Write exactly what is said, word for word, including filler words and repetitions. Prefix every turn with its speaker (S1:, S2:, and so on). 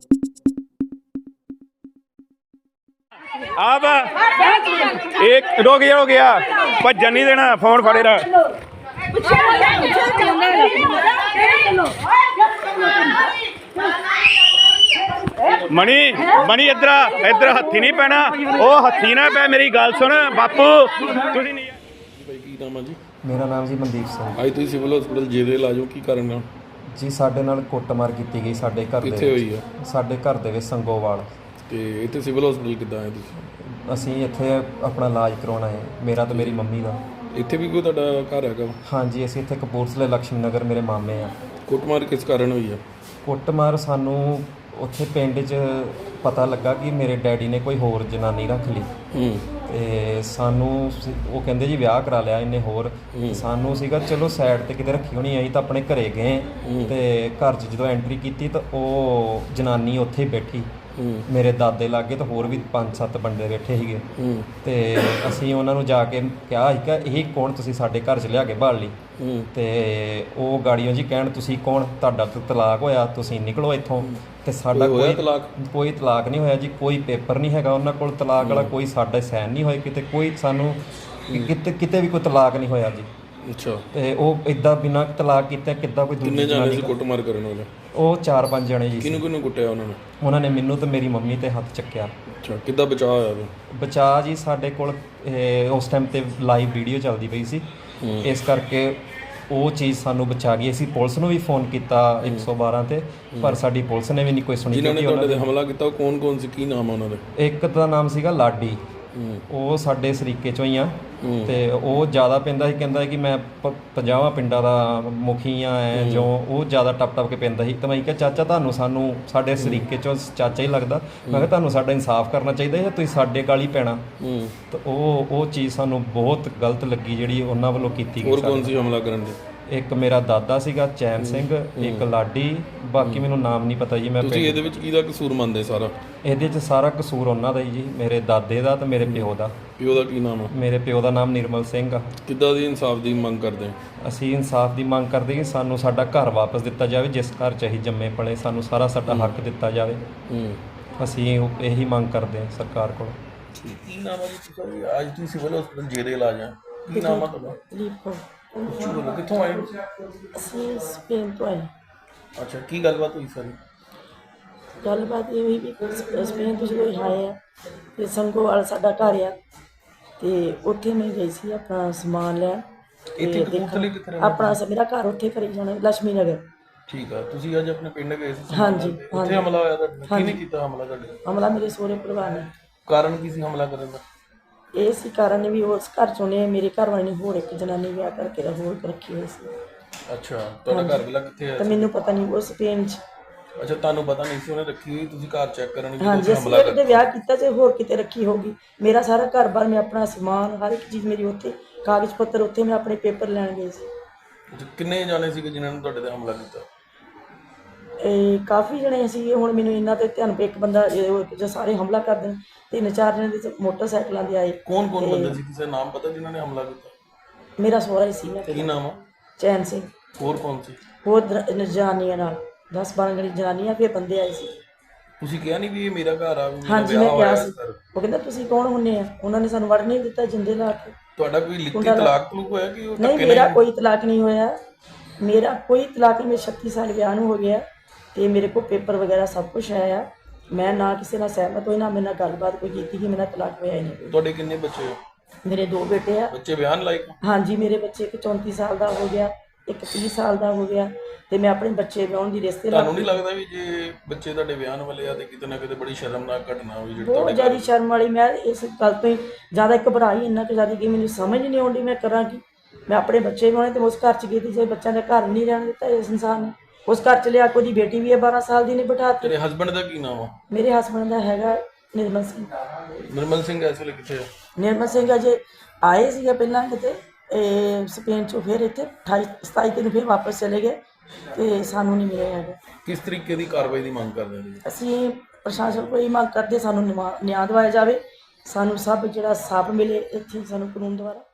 S1: आप एक रुक गया हो गया भजन नहीं देना फोन फड़े रहा मनी मनी इधर इधर हथी नहीं पैना वो हथी ना पै मेरी गल सुन बापू तुसीं नहीं
S2: ਕੀ ਨਾਮ ਆ ਜੀ?
S3: ਮੇਰਾ ਨਾਮ ਜੀ ਮਨਦੀਪ ਸਿੰਘ।
S2: ਅੱਜ ਤੁਸੀਂ ਸਿਵਲ ਹਸਪੀਟਲ ਜੇਰੇ ਲਾਜੋ ਕੀ ਕਾਰਨ ਆ
S3: ਜੀ ਸਾਡੇ ਨਾਲ ਕੁੱਟਮਾਰ ਕੀਤੀ ਗਈ ਸਾਡੇ ਘਰ ਦੇ
S2: ਕਿੱਥੇ ਹੋਈ ਆ?
S3: ਸਾਡੇ ਘਰ ਦੇ ਵਿੱਚ ਸੰਗੋਵਾਲ।
S2: ਤੇ ਇੱਥੇ ਸਿਵਲ ਹਸਪੀਟਲ ਕਿੱਦਾਂ ਆਏ ਤੁਸੀਂ?
S3: ਅਸੀਂ ਇੱਥੇ ਆਪਣਾ ਇਲਾਜ ਕਰਵਾਉਣਾ ਹੈ, ਮੇਰਾ ਤੇ ਮੇਰੀ ਮੰਮੀ ਦਾ।
S2: ਇੱਥੇ ਵੀ ਕੋਈ ਤੁਹਾਡਾ ਘਰ ਹੈਗਾ?
S3: ਹਾਂਜੀ, ਅਸੀਂ ਇੱਥੇ ਕਪੂਰਥਲੇ ਲక్ష్ਮੀ ਨਗਰ ਮੇਰੇ ਮਾਮੇ ਆ।
S2: ਕੁੱਟਮਾਰ ਕਿਸ ਕਾਰਨ ਹੋਈ ਆ?
S3: ਕੁੱਟਮਾਰ ਸਾਨੂੰ ਉੱਥੇ ਪਿੰਡ 'ਚ ਪਤਾ ਲੱਗਾ ਕਿ ਮੇਰੇ ਡੈਡੀ ਨੇ ਕੋਈ ਹੋਰ ਜਨਾਨੀ ਰੱਖ ਲਈ
S2: ਹੂੰ
S3: ਤੇ ਸਾਨੂੰ ਉਹ ਕਹਿੰਦੇ ਜੀ ਵਿਆਹ ਕਰਾ ਲਿਆ ਇਹਨੇ ਹੋਰ। ਸਾਨੂੰ ਸੀਗਾ ਚਲੋ ਸਾਈਡ ਤੇ ਕਿਤੇ ਰੱਖੀ ਹੋਣੀ, ਅਸੀਂ ਤਾਂ ਆਪਣੇ ਘਰੇ ਗਏ ਤੇ ਘਰ 'ਚ ਜਦੋਂ ਐਂਟਰੀ ਕੀਤੀ ਤਾਂ ਉਹ ਜਨਾਨੀ ਉੱਥੇ ਹੀ ਬੈਠੀ ਮੇਰੇ ਦਾਦੇ ਲਾਗੇ ਤੇ ਹੋਰ ਵੀ ਪੰਜ ਸੱਤ ਬੰਦੇ ਬੈਠੇ ਸੀਗੇ ਤੇ ਅਸੀਂ ਉਹਨਾਂ ਨੂੰ ਜਾ ਕੇ ਕਿਹਾ ਸੀ ਕਿ ਇਹ ਕੌਣ, ਤੁਸੀਂ ਸਾਡੇ ਘਰ 'ਚ ਲਿਆ ਕੇ ਭਾਲ ਲਈ। ਤੇ ਉਹ ਗਾੜੀਆਂ ਜੀ ਕਹਿਣ ਤੁਸੀਂ ਕੌਣ, ਤੁਹਾਡਾ ਤਾਂ ਤਲਾਕ ਹੋਇਆ, ਤੁਸੀਂ ਨਿਕਲੋ ਇੱਥੋਂ। ਤੇ ਸਾਡਾ ਕੋਈ
S2: ਤਲਾਕ
S3: ਕੋਈ ਤਲਾਕ ਨਹੀਂ ਹੋਇਆ ਜੀ, ਕੋਈ ਪੇਪਰ ਨਹੀਂ ਹੈਗਾ ਉਹਨਾਂ ਕੋਲ ਤਲਾਕ ਵਾਲਾ, ਕੋਈ ਸਾਡੇ ਸਾਈਨ ਨਹੀਂ ਹੋਏ ਕਿਤੇ, ਕੋਈ ਸਾਨੂੰ ਕਿਤੇ ਕਿਤੇ ਵੀ ਕੋਈ ਤਲਾਕ ਨਹੀਂ ਹੋਇਆ ਜੀ।
S2: ਅੱਛਾ।
S3: ਤੇ ਉਹ ਇਦਾਂ ਬਿਨਾਂ ਤਲਾਕ ਕੀਤੇ ਕਿੱਦਾਂ ਕੋਈ
S2: ਕਿੰਨੇ ਜਾਣੇ ਸੀ ਕੁੱਟਮਾਰ ਕਰਨ ਵਾਲੇ?
S3: ਉਹ ਚਾਰ ਪੰਜ ਜਣੇ ਜੀ।
S2: ਕਿਹਨੂੰ ਕਿਹਨੂੰ ਕੁੱਟਿਆ ਉਹਨਾਂ ਨੇ?
S3: ਉਹਨਾਂ ਨੇ ਮੈਨੂੰ ਤੇ ਮੇਰੀ ਮੰਮੀ ਤੇ ਹੱਥ ਚੱਕਿਆ।
S2: ਅੱਛਾ, ਕਿੱਦਾਂ ਬਚਾਅ ਹੋਇਆ?
S3: ਬਚਾਅ ਜੀ ਸਾਡੇ ਕੋਲ ਉਸ ਟਾਈਮ ਤੇ ਲਾਈਵ ਵੀਡੀਓ ਚੱਲਦੀ ਪਈ ਸੀ, ਇਸ ਕਰਕੇ ਉਹ ਚੀਜ਼ ਸਾਨੂੰ ਬਚਾ ਗਈ। ਅਸੀਂ ਪੁਲਿਸ ਨੂੰ ਵੀ ਫੋਨ ਕੀਤਾ ਇੱਕ ਸੌ ਬਾਰਾਂ ਤੇ, ਪਰ ਸਾਡੀ ਪੁਲਿਸ ਨੇ ਵੀ ਨਹੀਂ ਕੋਈ ਸੁਣੀ।
S2: ਜਿਨ੍ਹਾਂ ਨੇ ਤੁਹਾਡੇ ਤੇ ਹਮਲਾ ਕੀਤਾ ਉਹ ਕੌਣ ਕੌਣ ਸੀ, ਕੀ ਨਾਮ ਆ ਉਹਨਾਂ ਦੇ?
S3: ਇੱਕ ਦਾ ਨਾਮ ਸੀਗਾ ਲਾਡੀ, ਉਹ ਸਾਡੇ ਸਰੀਕੇ ਚੋਂ ਹੀ ਆ ਤੇ ਉਹ ਜ਼ਿਆਦਾ ਪੈਂਦਾ ਸੀ, ਕਹਿੰਦਾ ਕਿ ਮੈਂ ਪੰਜਾਹਾਂ ਪਿੰਡਾਂ ਦਾ ਮੁਖੀ ਆ ਐ ਜੋ, ਉਹ ਜ਼ਿਆਦਾ ਟੱਪ ਟੱਪ ਕੇ ਪੈਂਦਾ ਸੀ। ਤਾਂ ਮੈਂ ਕਿਹਾ ਚਾਚਾ ਤੁਹਾਨੂੰ ਸਾਨੂੰ ਸਾਡੇ ਸਰੀਕੇ ਚੋਂ ਚਾਚਾ ਹੀ ਲੱਗਦਾ, ਮੈਂ ਕਿਹਾ ਤੁਹਾਨੂੰ ਸਾਡਾ ਇਨਸਾਫ ਕਰਨਾ ਚਾਹੀਦਾ ਜਾਂ ਤੁਸੀਂ ਸਾਡੇ ਗਾਲ ਹੀ ਪੈਣਾ। ਤਾਂ ਉਹ ਉਹ ਚੀਜ਼ ਸਾਨੂੰ ਬਹੁਤ ਗਲਤ ਲੱਗੀ ਜਿਹੜੀ ਉਹਨਾਂ ਵੱਲੋਂ ਕੀਤੀ ਗਈ।
S2: ਹੋਰ ਕੌਣ ਸੀ ਹਮਲਾ ਕਰਨ ਦੇ?
S3: ਇੱਕ ਮੇਰਾ ਦਾਦਾ ਸੀਗਾ ਚੈਨ ਸਿੰਘ, ਇੱਕ ਲਾਡੀ, ਬਾਕੀ ਮੈਨੂੰ ਨਾਮ ਨਹੀਂ ਪਤਾ ਜੀ। ਮੈਂ
S2: ਤੁਸੀਂ ਇਹਦੇ ਵਿੱਚ ਕਿਹਦਾ ਕਸੂਰ ਮੰਨਦੇ? ਸਾਰਾ
S3: ਇਹਦੇ 'ਚ ਸਾਰਾ ਕਸੂਰ ਉਹਨਾਂ ਦਾ ਹੀ ਜੀ, ਮੇਰੇ ਦਾਦੇ ਦਾ ਤੇ ਮੇਰੇ ਪਿਓ ਦਾ।
S2: ਪਿਓ ਦਾ ਕੀ ਨਾਮ ਆ?
S3: ਮੇਰੇ ਪਿਓ ਦਾ ਨਾਮ ਨਿਰਮਲ ਸਿੰਘ ਆ।
S2: ਕਿੱਦਾਂ ਦੀ ਇਨਸਾਫ ਦੀ ਮੰਗ ਕਰਦੇ?
S3: ਅਸੀਂ ਇਨਸਾਫ ਦੀ ਮੰਗ ਕਰਦੇ ਕਿ ਸਾਨੂੰ ਸਾਡਾ ਘਰ ਵਾਪਸ ਦਿੱਤਾ ਜਾਵੇ, ਜਿਸ ਘਰ 'ਚ ਅਸੀਂ ਜੰਮੇ ਪਲੇ, ਸਾਨੂੰ ਸਾਰਾ ਸਾਡਾ ਹੱਕ ਦਿੱਤਾ ਜਾਵੇ। ਅਸੀਂ ਇਹੀ ਮੰਗ ਕਰਦੇ ਹਾਂ ਸਰਕਾਰ ਕੋਲ।
S2: ਕੀ ਨਾਮ ਹੈ ਜੀ ਤੁਹਾਡਾ? ਅੱਜ ਤੁਸੀਂ ਸਿਵਲ ਹਸਪੀਟਲ ਜੇਰੇ ਇਲਾਜ ਆ, ਕੀ ਨਾਮ ਆ ਤੁਹਾਡਾ? ਕਿੱਥੋਂ ਆਏ?
S4: ਅਸੀਂ ਸਪੇਨ ਤੋਂ ਆਏ।
S2: ਅੱਛਾ, ਕੀ ਗੱਲਬਾਤ ਹੋਈ ਸਾਰੀ?
S4: ਗੱਲਬਾਤ ਇਹ ਹੋਈ ਵੀ ਸਪੇਨ ਤੋਂ ਜਦੋਂ ਆਏ ਆ ਤੇ ਸੰਗੋਵਾਲ ਸਾਡਾ ਘਰ ਆ ਤੇ ਉੱਥੇ ਮੈਂ ਗਈ ਸੀ ਆਪਣਾ ਸਮਾਨ ਲੈਣ।
S2: ਇੱਥੇ ਕਪੂਰਥਲੇ ਕਿੱਥੇ ਰਹਿੰਦੇ?
S4: ਆਪਣਾ ਮੇਰਾ ਘਰ ਉੱਥੇ ਘਰੇ ਜਾਣਾ ਲక్ష్ਮੀ ਨਗਰ।
S2: ਠੀਕ ਆ, ਤੁਸੀਂ ਅੱਜ ਆਪਣੇ ਪਿੰਡ ਗਏ ਸੀ?
S4: ਹਾਂਜੀ।
S2: ਉੱਥੇ ਹਮਲਾ ਹੋਇਆ ਤੁਹਾਡੇ? ਕਿਹਨੇ ਕੀਤਾ ਹਮਲਾ ਤੁਹਾਡੇ?
S4: ਹਮਲਾ ਮੇਰੇ ਸਹੁਰੇ ਪਰਿਵਾਰ ਨੇ।
S2: ਕਾਰਨ ਕੀ ਸੀ ਹਮਲਾ ਕਰਨ ਦਾ?
S4: ਇਹ ਸੀ ਕਾਰਨ ਵੀ ਉਸ ਘਰ ਚੋਂ ਨੇ ਮੇਰੇ ਘਰ ਵਾਲੇ ਨੇ ਹੋਰ ਇੱਕ ਜਨਾਨੀ ਵਿਆਹ ਕਰਕੇ ਹੋਰ ਰੱਖੀ ਹੋਈ ਸੀ।
S2: ਅੱਛਾ, ਤੁਹਾਡਾ ਘਰ ਵਾਲਾ ਕਿੱਥੇ ਹੈ?
S4: ਤਾਂ ਮੈਨੂੰ ਪਤਾ ਨਹੀਂ, ਉਹ ਸਪੇਨ 'ਚ।
S2: ਅੱਛਾ, ਤੁਹਾਨੂੰ ਪਤਾ ਨਹੀਂ ਸੀ ਉਹਨੇ ਰੱਖੀ ਹੋਈ, ਤੁਸੀਂ ਘਰ ਚੈੱਕ ਕਰਨ ਗਏ?
S4: ਹਾਂਜੀ, ਅਸੀਂ ਉਹਦੇ ਵਿਆਹ ਕੀਤਾ ਤੇ ਹੋਰ ਕਿਤੇ ਰੱਖੀ ਹੋਗੀ। ਮੇਰਾ ਸਾਰਾ ਘਰ ਬਾਰ, ਮੈਂ ਆਪਣਾ ਸਮਾਨ ਹਰ ਇੱਕ ਚੀਜ਼ ਮੇਰੀ ਉੱਥੇ, ਕਾਗਜ਼ ਪੱਤਰ ਉੱਥੇ, ਮੈਂ ਆਪਣੇ ਪੇਪਰ ਲੈਣ ਗਈ ਸੀ।
S2: ਅੱਛਾ, ਕਿੰਨੇ ਜਾਣੇ ਸੀਗੇ ਜਿਨ੍ਹਾਂ ਨੇ ਤੁਹਾਡੇ ਤੇ ਹਮਲਾ ਕੀਤਾ?
S4: ਇਹ ਕਾਫੀ ਜਣੇ ਸੀ, ਹੁਣ ਮੈਨੂੰ ਇਹਨਾਂ ਤੇ ਧਿਆਨ ਪਏ। ਇੱਕ ਬੰਦਾ ਜੋ ਸਾਰੇ ਹਮਲਾ ਕਰਦੇ ਨੇ, ਤਿੰਨ ਚਾਰ ਜਣੇ ਦੇ ਮੋਟਰਸਾਈਕਲਾਂ ਦੇ ਆਏ।
S2: ਕੌਣ ਕੌਣ ਬੰਦੇ ਸੀ, ਕਿਸੇ ਨਾਮ ਪਤਾ ਜਿਨ੍ਹਾਂ ਨੇ ਹਮਲਾ ਕੀਤਾ?
S4: ਮੇਰਾ ਸਹੁਰਾ ਹੀ ਸੀ।
S2: ਕੀ ਨਾਮ ਆ?
S4: ਚੈਨ ਸਿੰਘ।
S2: ਹੋਰ ਕੌਣ ਸੀ?
S4: ਹੋਰ ਜਨਾਨੀਆਂ ਨਾਲ ਦਸ ਬਾਰਾਂ ਜਣੀ ਜਨਾਨੀਆਂ, ਫਿਰ ਬੰਦੇ ਆਏ ਸੀ।
S2: ਤੁਸੀਂ ਕਿਹਾ ਨਹੀਂ ਵੀ ਇਹ ਮੇਰਾ ਘਰ ਆ?
S4: ਹਾਂਜੀ, ਮੈਂ ਕਿਹਾ ਸੀ। ਉਹ ਕਹਿੰਦਾ ਤੁਸੀਂ ਕੌਣ ਹੁੰਨੇ ਆ? ਉਹਨਾਂ ਨੇ ਸਾਨੂੰ ਵੜ ਨਹੀਂ ਦਿੱਤਾ, ਜਿੰਦੇ ਲਾ ਕੇ।
S2: ਤੁਹਾਡਾ ਕੋਈ ਲਿਖਤੀ ਤਲਾਕ ਤਲੂਕ ਹੋਇਆ ਕਿ ਉਹ?
S4: ਨਹੀਂ, ਮੇਰਾ ਕੋਈ ਤਲਾਕ ਨਹੀਂ ਹੋਇਆ, ਮੇਰਾ ਕੋਈ ਤਲਾਕ ਨਹੀਂ। ਮੇਰੇ ਛੱਤੀ ਸਾਲ ਵਿਆਹ ਨੂੰ ਹੋ ਗਿਆ ਤੇ ਮੇਰੇ ਕੋਲ ਪੇਪਰ ਵਗੈਰਾ ਸਭ ਕੁਝ ਆਇਆ। ਮੈਂ ਨਾ ਕਿਸੇ ਨਾਲ ਸਹਿਮਤ ਹੋਈ, ਨਾ ਮੇਰੇ ਨਾਲ ਗੱਲਬਾਤ ਕੋਈ ਕੀਤੀ ਕਿ ਮੇਰਾ ਤਲਾਕ ਹੋਇਆ ਹੀ ਨਹੀਂ।
S2: ਤੁਹਾਡੇ ਕਿੰਨੇ ਬੱਚੇ ਹੋ?
S4: ਮੇਰੇ ਦੋ ਬੇਟੇ ਆ।
S2: ਬੱਚੇ ਬਿਆਨ ਲਾਇਕ?
S4: ਹਾਂਜੀ, ਮੇਰੇ ਬੱਚੇ ਇੱਕ ਚੌਂਤੀ ਸਾਲ ਦਾ ਹੋ ਗਿਆ, ਇੱਕ ਤੀਹ ਸਾਲ ਦਾ ਹੋ ਗਿਆ ਤੇ ਮੈਂ ਆਪਣੇ ਬੱਚੇ ਵਿਆਹੁਣ ਦੀ ਰਿਸ਼ਤੇ ਲਾ।
S2: ਤੁਹਾਨੂੰ ਨਹੀਂ ਲੱਗਦਾ ਵੀ ਜੇ ਬੱਚੇ ਤੁਹਾਡੇ ਵਿਆਹਨ ਵਾਲੇ ਆ ਤੇ ਕਿਤੇ ਨਾ ਕਿਤੇ ਬੜੀ ਸ਼ਰਮਨਾਕ ਘਟਨਾ ਹੋਈ ਜਿਹੜੀ
S4: ਬਹੁਤ
S2: ਤੁਹਾਡੇ?
S4: ਜ਼ਿਆਦਾ ਸ਼ਰਮ ਵਾਲੀ। ਮੈਂ ਇਸ ਗੱਲ ਤੋਂ ਹੀ ਜ਼ਿਆਦਾ ਘਬਰਾਈ, ਇੰਨਾ ਕੁ ਜ਼ਿਆਦਾ ਕਿ ਮੈਨੂੰ ਸਮਝ ਨਹੀਂ ਆਉਂਦੀ ਮੈਂ ਕਰਾਂ ਕੀ। ਮੈਂ ਆਪਣੇ ਬੱਚੇ ਵਿਆਹੁਣੇ ਤੇ ਉਸ ਘਰ 'ਚ ਗਈ ਸੀ, ਜੇ ਬੱਚਿਆਂ ਦਾ ਘਰ ਨਹੀਂ ਰਹਿਣ ਦਿੱਤਾ ਇਸ ਇਨਸਾਨ ਨੇ। ਉਸ ਘਰ 'ਚ ਲਿਆ, ਕੋਈ ਬੇਟੀ ਵੀ ਹੈ ਬਾਰਾਂ ਸਾਲ ਦੀ ਨੇ ਬਿਠਾ ਦਿੱਤੀ।
S2: ਤੇਰੇ ਹਸਬੈਂਡ ਦਾ ਕੀ ਨਾਮ ਆ?
S4: ਮੇਰੇ ਹਸਬੈਂਡ ਦਾ ਹੈਗਾ ਨਿਰਮਲ ਸਿੰਘ।
S2: ਨਿਰਮਲ ਸਿੰਘ ਇਸ ਵੇਲੇ ਕਿੱਥੇ ਆ?
S4: ਨਿਰਮਲ ਸਿੰਘ ਅਜੇ ਆਏ ਸੀਗੇ ਪਹਿਲਾਂ ਕਿਤੇ ਸਪੇਨ 'ਚੋਂ, ਫਿਰ ਇੱਥੇ ਅਠਾਈ ਸਤਾਈ ਦਿਨ ਫਿਰ ਵਾਪਸ ਚਲੇ ਗਏ ਤੇ ਸਾਨੂੰ ਨਹੀਂ ਮਿਲਿਆ ਹੈਗਾ।
S2: ਕਿਸ ਤਰੀਕੇ ਦੀ ਕਾਰਵਾਈ ਦੀ ਮੰਗ ਕਰਦੇ ਨੇ?
S4: ਅਸੀਂ ਪ੍ਰਸ਼ਾਸਨ ਕੋਲ ਇਹ ਮੰਗ ਕਰਦੇ, ਸਾਨੂੰ ਨਿਆਂ ਦਿਵਾਇਆ ਜਾਵੇ, ਸਾਨੂੰ ਸਭ ਜਿਹੜਾ ਸਾਫ ਮਿਲੇ ਇੱਥੇ ਸਾਨੂੰ ਕਾਨੂੰਨ ਦੁਆਰਾ।